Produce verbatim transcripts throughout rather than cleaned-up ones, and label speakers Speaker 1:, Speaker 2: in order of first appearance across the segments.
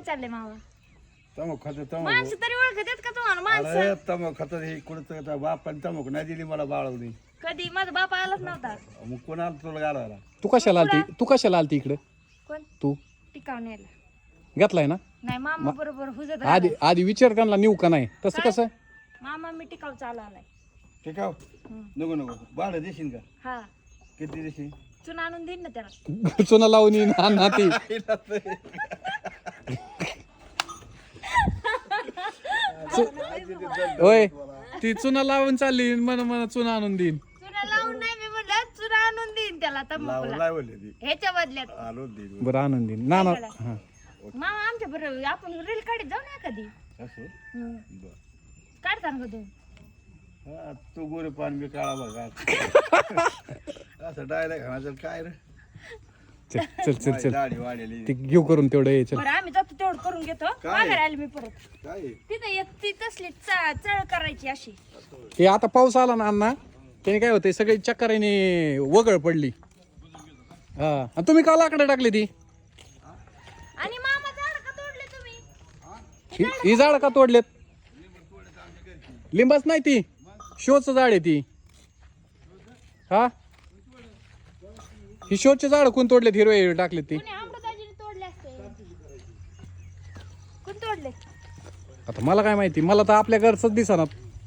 Speaker 1: चाललंय मावा
Speaker 2: तमक खात तमक
Speaker 1: माणसं तरी ओळखतात का तुम्हाला माणसं
Speaker 2: अरे तमक खात हे कुठं बापाने तमक नाही दिली मला बाळवली
Speaker 1: कधी माझा बाप आलाच नव्हता
Speaker 2: मग कोणाला तुला गाडवायला
Speaker 3: तू कशाला आलती तू कशाला आलती इकडे
Speaker 1: कोण
Speaker 3: तू
Speaker 1: टिकाव न्यायला
Speaker 3: घेतलाय ना
Speaker 1: नाही मामा बरोबर हुजत
Speaker 3: आधी आधी विचार त्यांना नेऊ का नाही तसं कसं
Speaker 1: मामा मी टिकाव चालू आलाय
Speaker 2: ठीक आहे नको नको बाळ देशील का
Speaker 1: हा
Speaker 2: किती देशील
Speaker 1: चुना आणून देईन ना त्याला
Speaker 3: चुना लावून येईन हा ना ती होय ती चुना लावून चालली मन मन चुना आणून देईन
Speaker 1: चुना लावून नाही मी म्हणलं चुना आणून देईन त्याला तंबाखूला
Speaker 2: लावले ती
Speaker 1: ह्याच्या बदल्यात
Speaker 2: आलो देईल
Speaker 3: बरं आणून देईन ना ना हा
Speaker 1: मामा आमच्या बरोबर आपण रील काढत जाऊ ना कधी
Speaker 2: असं बर
Speaker 1: काढता ना कधी
Speaker 2: हा तू गोरे पान मी काळा बघा असं डायरेक्ट म्हणायचं काय रे
Speaker 3: चल चल चल चल
Speaker 2: दाढी वाढलेली
Speaker 3: ते घेऊ करून तेवढं ये चल
Speaker 1: बरं आम्ही जातो तेवढं करून घेतो माघारी आले मी परत
Speaker 2: काय
Speaker 1: तिथे एक ती तसली चा- चळ करायची अशी
Speaker 3: हे आता पाऊस आला ना अण्णा त्याने काय होतंय सगळी चक्कराने वगळ पडली हा आणि तुम्ही का लाकडं टाकली ती
Speaker 1: आणि मामा झाड का तोडले तुम्ही
Speaker 3: ही ही झाड का तोडलेत लिंबाच नाही ती शोचं झाड आहे ती हा ही शोचे झाड कोण तोडलेत हिरवे टाकलेत ती
Speaker 1: कोणी अमृताजीने तोडले असते कोण तोडले
Speaker 3: आता मला काय माहिती मला तर आपल्या घरच दिसणार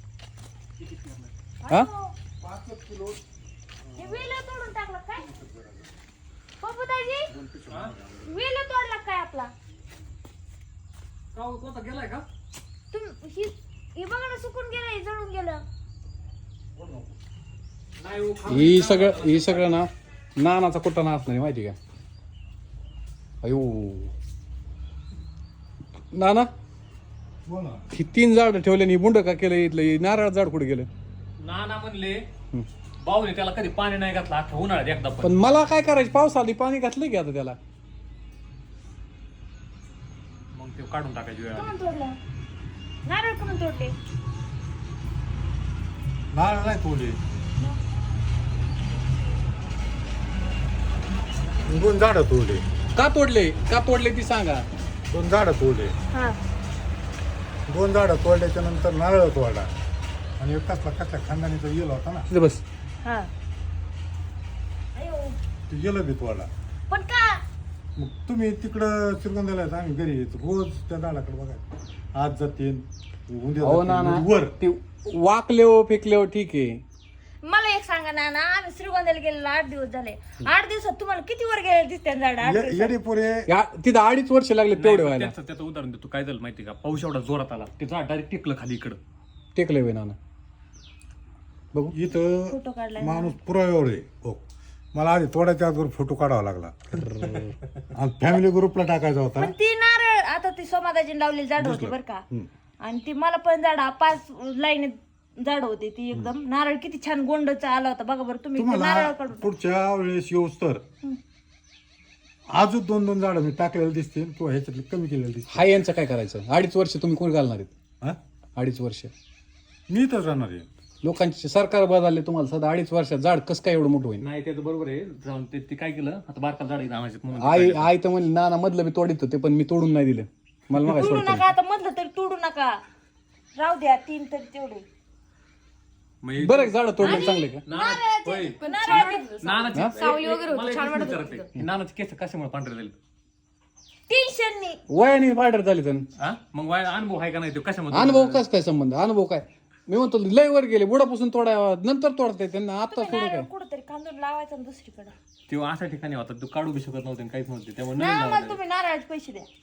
Speaker 3: हा
Speaker 1: हे वेल तोडून टाकलं काय पप्पूदाजी वेल तोडला काय आपला
Speaker 3: गेलाय का
Speaker 1: तुम ही हे बघा ना सुकून गेलं जळून गेलं
Speaker 3: ही सगळं ही सगळं ना नानाचा कुठं नाच नाही माहिती का अयो नाना ही तीन झाड ठेवले आणि बुंड का केलं इथलं हे नारळ झाड कुठे गेलं
Speaker 4: नाना म्हणले बावले त्याला कधी पाणी नाही घातलं अख्खा उन्हाळ्यात एकदा पण
Speaker 3: पण मला काय करायचं पाऊस आली पाणी घातलं की आता त्याला
Speaker 4: मग ते काढून टाकायची वेळ आली.
Speaker 1: कमन तोडलं नारळ कमन तोडले
Speaker 2: नारळ नाही तोडले दोन झाडं तोडले
Speaker 3: का तोडले का तोडले ती सांगा
Speaker 2: दोन झाडं तोडले
Speaker 1: हा
Speaker 2: दोन झाडं तोडल्याच्या नंतर नारळ तोडला आणि एक कसला कसल्या खानदानीचा येल होता ना
Speaker 3: तिथे बस
Speaker 1: हा अयो
Speaker 2: ते येलं बी तोडला
Speaker 1: पण का
Speaker 2: मग तुम्ही तिकडं श्रीगोंद्याला आहेत, आम्ही घरी येतो रोज त्या झाडाकडे बघा आज जाते उद्या
Speaker 3: हो
Speaker 2: जाते,
Speaker 3: नाना
Speaker 2: म्हणजे वर
Speaker 3: ते वाकले हो फेकले हो ठीक आहे
Speaker 1: मला एक सांगा ना ना आम्ही श्रीगोंद्याला गेलेलो आठ दिवस झाले आठ दिवसात तुम्हाला किती वर गेले दिसते झाड आठ
Speaker 2: ये-
Speaker 1: दिवसात?
Speaker 2: येडे पोरे
Speaker 3: या- तिथं अडीच वर्ष लागले तेवढे
Speaker 4: नाही,
Speaker 3: व्हायला
Speaker 4: त्याचं त्याचं उदाहरण देतो काय झालं माहिती का पाऊस एवढा जोरात आला ते झाड डायरेक्ट टेकलं खाली इकडं
Speaker 3: टेकले होय नाना बघू
Speaker 2: इथं
Speaker 1: फोटो काढलाय
Speaker 2: माणूस पुराव्यावर आहे हो मला आधी तोडायच्या अगोदर फोटो काढावा लागला आणि फॅमिली ग्रुपला टाकायचा होता
Speaker 1: पण ती नारळ आता ती सोमादाजीने लावलेली झाड होती बरं का आणि ती मला पण झाड पाच लाईन झाड होती ती एकदम नारळ किती छान गोंडचा आला होता बघा बरं तुम्ही ते नारळ
Speaker 2: तुम्हाला
Speaker 1: काढून
Speaker 2: पुढच्या वेळेस येऊस तर अजून दोन दोन झाडं मी टाकलेलं दिसतील किंवा ह्याच्यातले कमी केलेलं दिसतील
Speaker 3: हा यांचं काय करायचं अडीच वर्ष तुम्ही कोण घालणार आहेत
Speaker 2: हा
Speaker 3: अडीच वर्ष
Speaker 2: मी तर राहणार आहे
Speaker 3: लोकांचे सरकार बदलले तुम्हाला सध्या अडीच वर्षात झाड कसं काय एवढं मोठं होईल
Speaker 4: नाही त्याचं बरोबर आहे जाऊन ते ते काय केलं आता बारका झाड आणायचे म्हणून
Speaker 3: आई आई तर म्हणली नाना मधलं मी तोडीत होते पण मी तोडून नाही दिलं मला मग
Speaker 1: तोडू नका आता मधलं तरी तोडू नका राहू द्या तीन तरी तेवढे
Speaker 4: मग
Speaker 3: बरं झाड तोडले चांगले का
Speaker 4: नाना- होय.
Speaker 1: नारळाचे
Speaker 4: नानाची
Speaker 1: सावली
Speaker 4: एक-
Speaker 1: वगैरे
Speaker 4: एक-
Speaker 1: होती,
Speaker 4: मला एक
Speaker 1: छान
Speaker 4: प्रश्न
Speaker 1: वाटत
Speaker 4: विचारायचं आहे. ही नानाची केस कशामुळे पांढरे झाले
Speaker 1: टेन्शननी
Speaker 3: वयाने पायडर झाले तर
Speaker 4: हा मग वाय अनुभव आहे का नाही तो कशामध्ये
Speaker 3: अनुभव कस काय संबंध अनुभव काय मी म्हणतो लय वर गेले बुडापासून तोडा नंतर तोडताय त्यांना आता थोडं काय
Speaker 1: नारळ कुठंतरी कांदून लावायचा आणि दुसरीकडे
Speaker 4: तो अशा ठिकाणी होता तो काढू बी शकत नव्हते आणि काहीच नव्हते त्यामुळे
Speaker 1: नाही
Speaker 4: नवीन
Speaker 1: आम्हाला
Speaker 4: लावायला
Speaker 1: तुम्ही नारळाचे पैसे द्या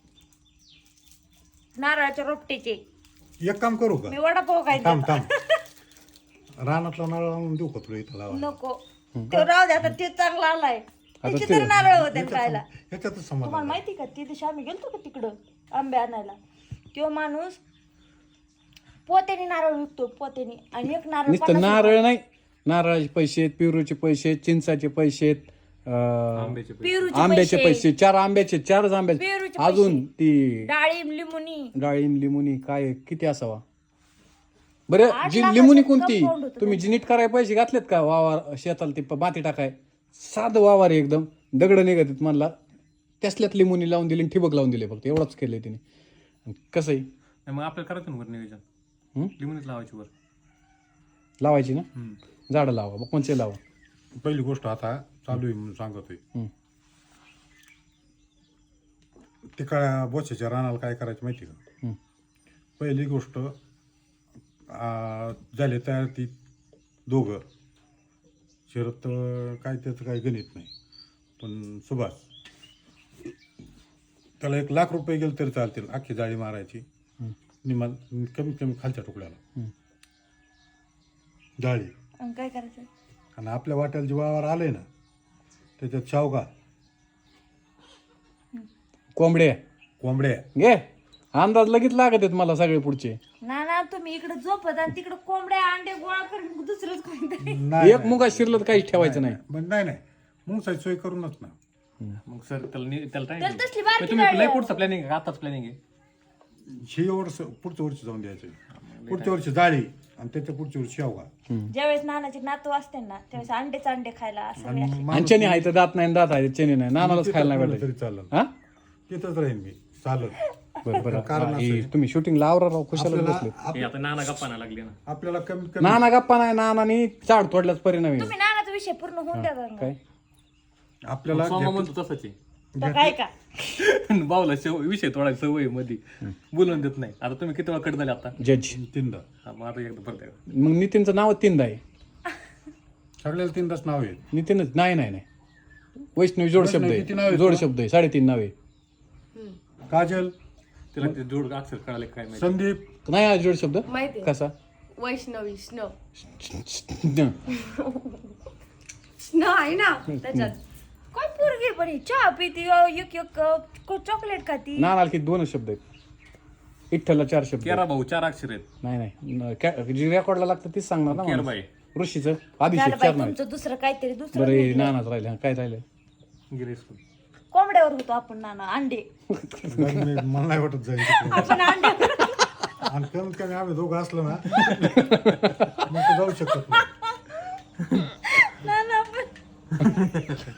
Speaker 1: नारळाच्या रोपटेचे
Speaker 2: एक काम करू का
Speaker 1: मी वडापाव काय
Speaker 2: थांब थांब रानातला नारळ आणून देऊ का तुला इथं लावा
Speaker 1: नको तो राहू द्या आता ते चांगला आलाय त्याची तरी नारळ होते खायला
Speaker 2: ह्याच्यातच समाधान
Speaker 1: तुम्हाला माहिती का ती दिवशी आम्ही गेलतो का तिकडं आंबे आणायला तो माणूस पोत्याने नारळ विकतो पोत्याने आणि एक नारळ
Speaker 3: नुसतं
Speaker 1: पन्नास
Speaker 3: नारळ नाही नारळाचे पैसे आहेत पिरूचे पैसे आहेत चिंचाचे पैसे आहेत अं,
Speaker 4: आंब्याचे
Speaker 1: पेरूचे
Speaker 3: आंब्याचे पैसे चार आंब्याचे चारच आंब्याचे
Speaker 1: पेरूचे
Speaker 3: अजून ती
Speaker 1: डाळिंब लिंबुनी
Speaker 3: डाळिंब लिमुनी काय किती असावा बरं
Speaker 1: आठ
Speaker 3: जी
Speaker 1: लाखाचं
Speaker 3: लिमुनी कोणती
Speaker 1: compound होतं
Speaker 3: तुम्ही जी नीट करायला पैसे घातलेत का वावर शेताला ते प- माती टाकाय साधं वावर आहे एकदम दगड निघत म्हणला त्यासल्यात लिंबूनी लावून दिली आणि ठिबक लावून दिले फक्त एवढंच केलंय तिने आणि कसं आहे
Speaker 4: नाही, मग आपल्याला करायचं ना वर नियोजन
Speaker 3: हं?
Speaker 4: लिंबूनच लावायची वर
Speaker 3: लावायची ना झाडं लावा मग कोणचे लावा
Speaker 2: पहिली गोष्ट आता चालू आहे म्हणून सांगतोय
Speaker 3: हं.
Speaker 2: ते काय बोच्याच्या रानाला काय करायचं माहिती का
Speaker 3: हं.
Speaker 2: पहिली गोष्ट आ, झाले तयार ती दोघं शरद काय त्याचं काही गणित नाही पण सुभाष त्याला एक लाख रुपये गेले तरी चालतील अख्खी जाळी मारायची निमा कमीत कमी खालच्या तुकड्याला
Speaker 3: हं.
Speaker 2: जाळी
Speaker 1: आणि काय करायचं
Speaker 2: आणि आपल्या वाट्याला जे वावर आले ना त्याच्यात शावगा
Speaker 3: कोंबड्या
Speaker 2: कोंबड्या
Speaker 3: घे अंदाज लगेच लागत आहेत मला सगळे पुढचे
Speaker 1: ना ना तुम्ही इकडे झोपत आणि तिकडे कोंबड्या अंडे गोळा करून दुसरंच कोणतरी
Speaker 2: नाही
Speaker 3: एक मुगा शिरलं तर काहीच ठेवायचं नाही
Speaker 2: पण नाही नाही मुंगसाची सोय करूनच ना
Speaker 4: मग सर त्याला नि- त्याला
Speaker 1: त्याला
Speaker 4: टाइम
Speaker 1: तसली बारकी
Speaker 4: तुम्ही
Speaker 1: गाडी
Speaker 4: लय
Speaker 1: आहे.
Speaker 4: पुढचं प्लॅनिंग आहे आताच प्लॅनिंग आहे
Speaker 2: हे वर्ष पुढच्या वर्षी जाऊन द्यायचं पुढच्या वर्षी जाळी आणि त्याच्या पुढच्या वर्षी शेवगा
Speaker 1: ज्यावेळेस नानाचे नातू असते ना त्यावेळेस अंडेच अंडे खायला असं
Speaker 2: आणि
Speaker 1: नाही.
Speaker 2: मग
Speaker 3: आणि चने आहे तर दात नाही दात आहे चने नाही नानालाच खायला नाही
Speaker 2: तरी
Speaker 3: भेटायचं
Speaker 2: चालेल
Speaker 3: हा
Speaker 2: तिथंच राहीन मी चालत
Speaker 3: बरं बरं
Speaker 2: कारण
Speaker 3: हा,
Speaker 2: असं
Speaker 3: हे तुम्ही शूटिंगला आवरा राव खुशाला
Speaker 2: आपल्याला
Speaker 3: बसले
Speaker 2: आप-
Speaker 4: हे आता नाना गप्पा नाही लागली ना
Speaker 2: आपल्याला कमीत कमी
Speaker 3: नाना गप्पा नाही नानानी झाड तोडल्याच परिणाम आहे
Speaker 1: तुम्ही नानाचा विषय पूर्ण होऊन द्या गं.
Speaker 3: काय
Speaker 2: आपल्याला
Speaker 4: सोमा
Speaker 2: घेत-
Speaker 4: म्हणतो तसंच आहे
Speaker 1: तर काय का
Speaker 4: बावला शेव विषय तोडायचा सवय मध्ये बोलून देत नाही आता तुम्ही किती वेळा कट झाले आता
Speaker 3: जज
Speaker 2: तीनदा
Speaker 4: हा, मग आता एकदा परत एकदा.
Speaker 3: मग नितीनचं नाव तीनदा आहे
Speaker 2: सगळ्याला तीनदाच नाव आहे
Speaker 3: नितीनच नाही नाही नाही वैष्णवी जोड शब्द
Speaker 2: वैष्णवी किती नाव
Speaker 3: आहे
Speaker 2: आहेत
Speaker 3: जोड
Speaker 2: तुला?
Speaker 3: शब्द आहे साडेतीन नाव आहे
Speaker 2: काजल
Speaker 4: तिला ते जोड अक्षर कळाले काय माहिती
Speaker 2: संदीप
Speaker 3: नाही हा जोड शब्द
Speaker 5: माहिती आहे.
Speaker 3: कसा
Speaker 5: वैष्णवी स्नो
Speaker 3: न.
Speaker 5: स्नो आहे ना त्याच्यात
Speaker 1: काय पोरगी पण ही चहा पिती अ, एक एक अ, चॉकलेट खाती
Speaker 3: नानाला किती दोनच शब्द आहेत विठ्ठलला चार शब्द आहेत.
Speaker 4: केरा भाऊ चार अक्षर आहेत
Speaker 3: नाही नाही न- कॅ- जी रेकॉर्डला लागतं तीच सांगणार ना माणूस.
Speaker 4: केरबाई
Speaker 3: ऋषीचं
Speaker 1: झालं
Speaker 3: अभिषेक
Speaker 1: बाई
Speaker 3: चार नाव आहेत.
Speaker 1: तुमचं दुसरं काहीतरी दुसरं
Speaker 3: बरं हे
Speaker 1: निघलंय.
Speaker 3: नानाच राहिले हा, काय राहिलं
Speaker 4: गिरीश पण.
Speaker 1: कोंबड्यावर होतो आपण नाना अंडे
Speaker 2: मी- मला नाही वाटत जाईल तिकडे.
Speaker 1: आपण अंडे
Speaker 2: आणि कमीत कमी आम्ही दोघं असलो ना मग ते जाऊ शकत नाही
Speaker 1: नाना आपण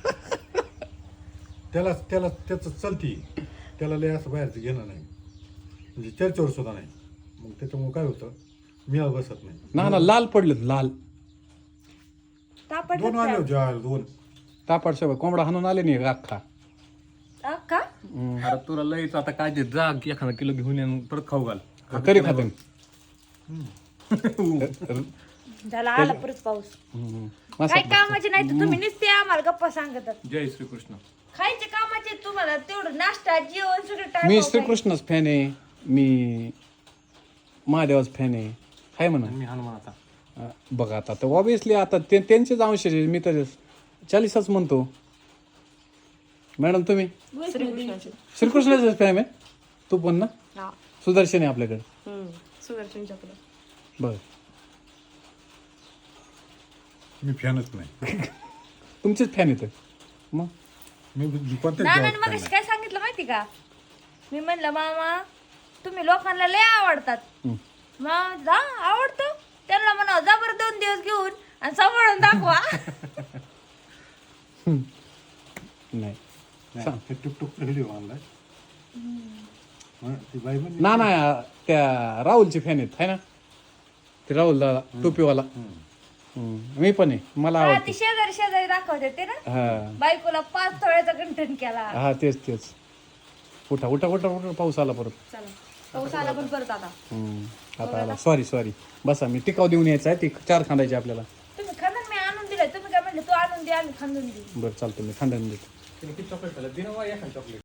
Speaker 2: त्याला त्याला त्याचं चलती त्याला लय असं बाहेरचं घेणं नाही म्हणजे चर्चेवर सुद्धा नाही मग त्याच्यामुळे काय होतं मिळा बसत नाही
Speaker 3: नाना लाल पडलं लाल
Speaker 1: तापट
Speaker 2: दोन आले होते आले दोन
Speaker 3: तापाड सवय कोंबडा हाणून आले नाही अख्खा
Speaker 1: का
Speaker 4: अरे तुला लयच आता काय ते जा एखादा किलो घेऊन ये आणि परत खाऊ घाल
Speaker 3: तरी खाते
Speaker 1: झाला आला परत पाऊस काय कामाचे नाही तर तुम्ही नुसते आम्हाला गप्पा सांगतात
Speaker 4: जय श्रीकृष्ण
Speaker 1: खायचे कामाचे तुम्हाला तेवढं नाश्ता जेवण सगळं
Speaker 3: मी
Speaker 1: टाइम
Speaker 3: श्रीकृष्णच फॅन आहे मी महादेवाच फॅन आहे हाय म्हणा
Speaker 4: मी हनुमान आता
Speaker 3: अं, बघा आता तर ऑब्विसली आता ते त्यांचेच अंश आहे. मी तर चाळीसच म्हणतो मॅडम तुम्ही
Speaker 5: श्रीकृष्णाची
Speaker 3: श्रीकृष्णाचंच फॅन आहे तू पण ना
Speaker 5: हा
Speaker 3: सुदर्शन आहे आपल्याकडे
Speaker 5: हम्म. सुदर्शन चक्र
Speaker 3: बघ
Speaker 2: मी फॅनच नाही
Speaker 3: तुमचेच फॅन येतं मग
Speaker 2: मी कोणत्याच
Speaker 1: नानाने
Speaker 2: गावात
Speaker 1: मग
Speaker 2: fan नाही.
Speaker 1: काय सांगितलं माहिती का मी म्हणलं मामा तुम्ही लोकांना लय आवडतात
Speaker 3: हं.
Speaker 1: मग हा आवडतो त्यांना म्हणा जा बरं दोन दिवस घेऊन आणि सांभाळून दाखवा
Speaker 3: नाही
Speaker 2: नाही, ते टुकटुक व्हिडिओ आणलाय हं, ती बाई म्हणली
Speaker 3: ना ना त्या राहुलचे फॅन आहेत है ना ते राहुल दादा टोपीवाला हम्म. मी पण आहे मला
Speaker 1: हा,
Speaker 3: आवडते
Speaker 1: ती शेजारी शेजारी दाखवते ते ना
Speaker 3: हा
Speaker 1: बायकोला पाच तोळ्याचा गंठन केला
Speaker 3: हा तेच तेच उठा उठा उठा उठा पाऊस आला परत
Speaker 5: चला पाऊस आला पण परत आता
Speaker 3: हम्म. आता आला सॉरी सॉरी बसा मी टिकाव देऊन यायचं आहे ती चार खांदायची आपल्याला
Speaker 1: तुम्ही खांदून मी आणून दिलाय तुम्ही काय म्हणले तू आणून दे आम्ही खांदून देऊ
Speaker 3: बरं चालतं मी खांदायला देतो
Speaker 4: तिने किती चॉकलेट खाल्लं दिन एखादा चॉकलेट